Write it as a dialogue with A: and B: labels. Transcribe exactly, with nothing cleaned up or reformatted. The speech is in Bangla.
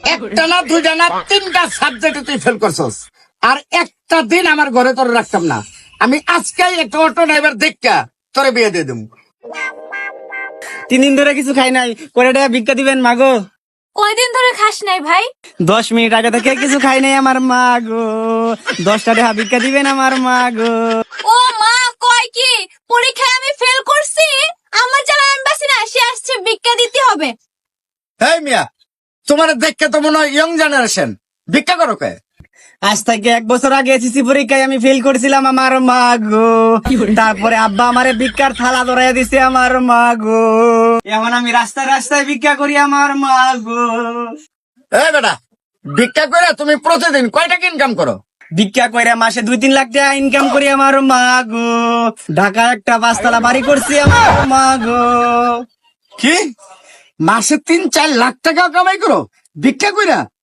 A: একটা না দুইটা না তিনটা সাবজেক্টে তুই ফেল করছস, আর একটা দিন আমার ঘরে তোর রাখতাম না। আমি আজকেই একটা অটো ড্রাইভার দেখা তোরে বিয়ে দিয়ে দেবো।
B: তিন দিন ধরে কিছু খাই নাই, করে টাকা ভিক্ষা দিবেন মাগো।
C: কয়দিন ধরে খাস নাই ভাই?
B: দশ মিনিট আগে থেকে কিছু খাই নাই আমার মা গো, দশটা টাকা ভিক্ষা দিবেন আমার মা গো।
C: ও মা, কয় কি পরীক্ষায় আমি ফেল করছি, আমার জ্বালা আমি বাঁচি না, সে আসছে ভিক্ষা দিতে হবে।
A: এই মিয়া, তোমার দেখে তো মনে হয় ইয়ং জেনারেশন, ভিক্ষা করো কে?
B: আজ থেকে এক বছর আগে এসএসসি পরীক্ষায় আমি ফেল করেছিলাম আমার মা গো, তারপরে আব্বা আমারে ভিক্ষার থালা ধরাইয়া দিছে আমার মা গো, এখন আমি রাস্তায় রাস্তায় ভিক্ষা করি আমার মা গো।
A: এই বেটা, ভিক্ষা করে তুমি প্রতিদিন কয় টাকা ইনকাম করো?
B: ভিক্ষা কইরা মাসে দুই তিন লাখ টাকা ইনকাম করি আমার মা গো, ঢাকা একটা পাঁচতলা বাড়ি করছি আমার মা গো।
A: কি মাসে তিন চার লাখ টাকা কামাই করো ভিক্ষা কইরা?